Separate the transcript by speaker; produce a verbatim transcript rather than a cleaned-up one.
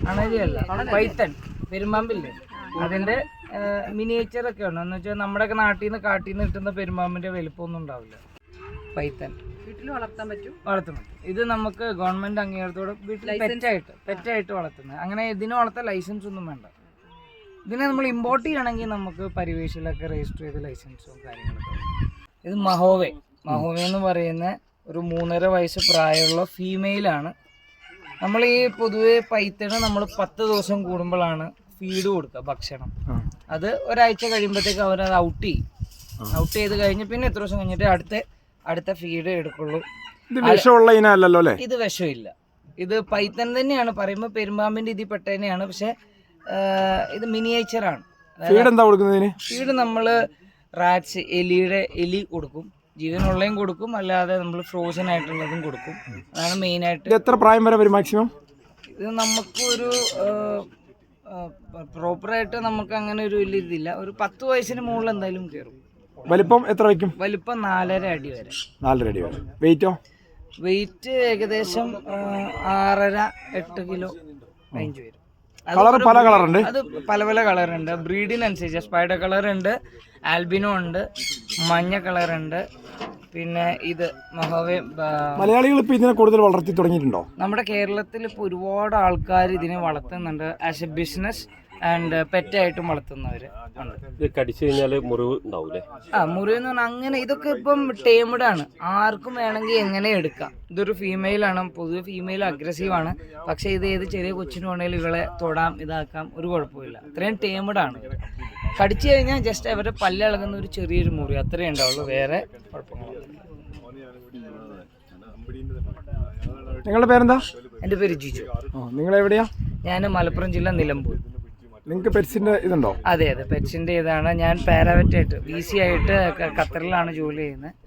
Speaker 1: അണലിയല്ല, Python പെരുമ്പാമ്പില്ലേ അതിന്റെ miniature ഒക്കെ ഉണ്ട്. എന്ന് വെച്ചാൽ നമ്മുടെയൊക്കെ നാട്ടിൽ നിന്ന് കാട്ടിൽ നിന്ന് കിട്ടുന്ന പെരുമ്പാമ്പിന്റെ വലിപ്പമൊന്നും ഉണ്ടാവില്ല. പൈത്തൺ
Speaker 2: വീട്ടിൽ വളർത്താൻ പറ്റും,
Speaker 1: വളർത്താൻ പറ്റും. ഇത് നമുക്ക് ഗവൺമെന്റ് അംഗീകാരത്തോടെ വീട്ടിൽ പെറ്റായിട്ട് പെറ്റായിട്ട് വളർത്തുന്നത്. അങ്ങനെ ഇതിന് വളർത്താൻ ലൈസൻസ് ഒന്നും വേണ്ട. ഇതിനെ നമ്മൾ ഇമ്പോർട്ട് ചെയ്യണമെങ്കിൽ നമുക്ക് പരിവേഷിലൊക്കെ രജിസ്റ്റർ ചെയ്ത് ലൈസൻസും കാര്യങ്ങളൊക്കെ. ഇത് മഹോവെ മഹോവെ എന്ന് പറയുന്ന ഒരു മൂന്നര വയസ്സ് പ്രായമുള്ള ഫീമെയിലാണ്. നമ്മൾ ഈ പൊതുവെ പൈത്തണ് നമ്മൾ പത്ത് ദിവസം കൂടുമ്പോഴാണ് ഫീഡ് കൊടുക്കുക, ഭക്ഷണം. അത് ഒരാഴ്ച കഴിയുമ്പോഴത്തേക്ക് അവരത് ഔട്ട് ചെയ്യും. ഔട്ട് ചെയ്ത് കഴിഞ്ഞ് പിന്നെ എത്ര ദിവസം കഴിഞ്ഞിട്ട് അടുത്ത അടുത്ത ഫീഡ് എടുക്കുള്ളൂ. ഇത് വിഷമില്ല. ഇത് പൈത്തൺ തന്നെയാണ്, പറയുമ്പോൾ പെരുമ്പാമ്പിന്റെ ഇതിൽ പെട്ട തന്നെയാണ്. പക്ഷെ ഇത് മിനിയേച്ചറാണ്. ഫീഡ് നമ്മള് റാറ്റ്സ്, എലിയുടെ എലി കൊടുക്കും, ജീവനുള്ളതും കൊടുക്കും, അല്ലാതെ നമ്മൾ ഫ്രോസൺ ആയിട്ടുള്ളതും കൊടുക്കും. അതാണ് മെയിൻ ആയിട്ട്.
Speaker 3: എത്ര പ്രായം വരെ വരും മാക്സിമം?
Speaker 1: ഇത് നമുക്കൊരു പ്രോപ്പറായിട്ട് നമുക്ക് അങ്ങനെ ഒരു വലിയ ഇതില്ല. ഒരു പത്ത് വയസ്സിന് മുകളിൽ എന്തായാലും കയറും.
Speaker 3: വലിപ്പം എത്ര വയ്ക്കും?
Speaker 1: വലിപ്പം നാലര അടി വരെ.
Speaker 3: നാലര അടി വരെ. വെയിറ്റോ?
Speaker 1: വെയിറ്റ് ഏകദേശം ആറര എട്ട് കിലോ റേഞ്ച് വരും.
Speaker 3: കളർ പല കളറുണ്ട്.
Speaker 1: അത് പല പല കളറുണ്ട്, ബ്രീഡിനനുസരിച്ച്. സ്പൈഡർ കളർ ഉണ്ട്, ആൽബിനോ ഉണ്ട്, മഞ്ഞ കളർ ഉണ്ട്, പിന്നെ ഇത് മഹോവെ.
Speaker 3: മലയാളികൾ ഇപ്പൊ ഇതിനെ കൂടുതൽ വളർത്തി തുടങ്ങിയിട്ടുണ്ടോ?
Speaker 1: നമ്മുടെ കേരളത്തിൽ ഇപ്പോൾ ഒരുപാട് ആൾക്കാർ ഇതിനെ വളർത്തുന്നുണ്ട്. ആസ് എ ബിസിനസ് ആൻഡ് പെറ്റായിട്ടും വളർത്തുന്നവര്
Speaker 4: കടിച്ചു കഴിഞ്ഞാൽ മുറിവ് ഉണ്ടാവൂലേ?
Speaker 1: ആ, മുറിവ് എന്ന് പറഞ്ഞാൽ അങ്ങനെ ഇതൊക്കെ ഇപ്പം ടേംഡ് ആണ്, ആർക്കും വേണമെങ്കിൽ എങ്ങനെ എടുക്കാം. ഇതൊരു ഫീമെയിൽ ആണ്, പൊതുവെ ഫീമെയിൽ അഗ്രസീവ് ആണ്. പക്ഷെ ഇത് ഏത് ചെറിയ കൊച്ചിന് വേണമെങ്കിലും ഇവളെ തൊടാം, ഇതാക്കാം, ഒരു കുഴപ്പമില്ല. അത്രയും ടേംഡ് ആണ്. കടിച്ചു കഴിഞ്ഞാൽ ജസ്റ്റ് അവരുടെ പല്ലിളകുന്ന ഒരു ചെറിയൊരു മുറി അത്രേ ഉണ്ടാവുള്ളൂ, വേറെ കുഴപ്പങ്ങളൊന്നുമില്ല.
Speaker 3: നിങ്ങളുടെ പേരെന്താ?
Speaker 1: എൻ്റെ പേര് ജിജു.
Speaker 3: നിങ്ങൾ എവിടെയാ?
Speaker 1: ഞാൻ മലപ്പുറം ജില്ല, നിലമ്പൂർ.
Speaker 3: നിങ്ങൾക്ക് പെറ്റ്സിന്റെ ഇതുണ്ടോ?
Speaker 1: അതെ അതെ, പെറ്റ്സിന്റെ ഇതാണ്. ഞാൻ പാരാവെറ്റായിട്ട് വി സി ആയിട്ട് ഖത്തറിലാണ് ജോലി ചെയ്യുന്നത്.